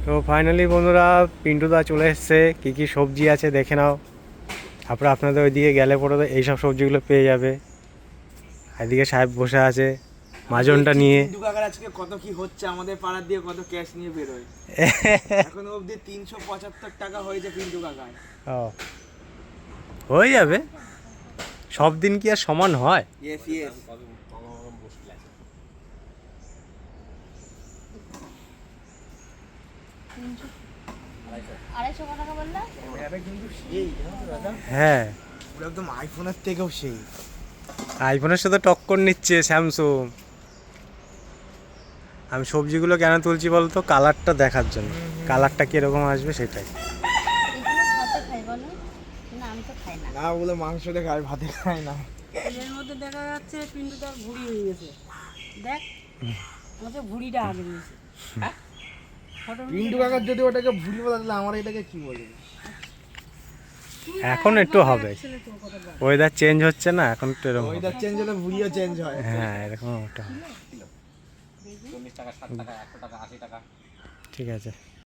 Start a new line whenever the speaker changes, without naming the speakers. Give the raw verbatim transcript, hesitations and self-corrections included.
তো ফাইনালি বন্ধুরা পিন্টুদা চলে এসছে, কী কী সবজি আছে দেখে নাও। তারপরে আপনাদের ওইদিকে গেলে পরে তো এইসব সবজিগুলো পেয়ে যাবে। এদিকে সাহেব বসে আছে মাজনটা নিয়ে।
পিন্টু কাকার আজকে কত কি হচ্ছে, আমাদের পাড়ার দিয়ে কত ক্যাশ নিয়ে বেরোয়। এখন অবধি তিনশো পঁচাত্তর টাকা হয়েছে পিন্টু কাকার।
ও হয়ে যাবে, সব দিন কি আর সমান হয়?
Yes yes.
আড়াইশো টাকা বললা?
এটা কিন্তু সেই জানো তো দাদা,
হ্যাঁ,
পুরো একদম আইফোনের থেকেও সেই।
আইফোনের সাথে টক্কর নিচ্ছে স্যামসুং। আমি সবজিগুলো কেন তুলছি বলতো, কালারটা দেখার জন্য, কালারটা কীরকম আসবে সেটাই।
এগুলো ভাতে খাই বলো? না আমি তো খাই না।
না ওগুলো মাংস দিয়ে খায়, ভাতে খায় না।
এর মধ্যে দেখা যাচ্ছে পিন্টুটার ভুঁড়ি হয়ে গেছে। দেখ আমাকে ভুঁড়িটা আগে নিয়েছে।
পিন্টু কাকার যদি ওটাকে ভুলি বলে তাহলে আমার এটাকে কি বলবে?
এখন একটু হবে, ওয়েদার চেঞ্জ হচ্ছে না, এখন একটু এরকম হবে।
ওয়েদার চেঞ্জ হলে ভুলিও চেঞ্জ হয়।
হ্যাঁ এরকম ওটা হবে। ঠিক আছে।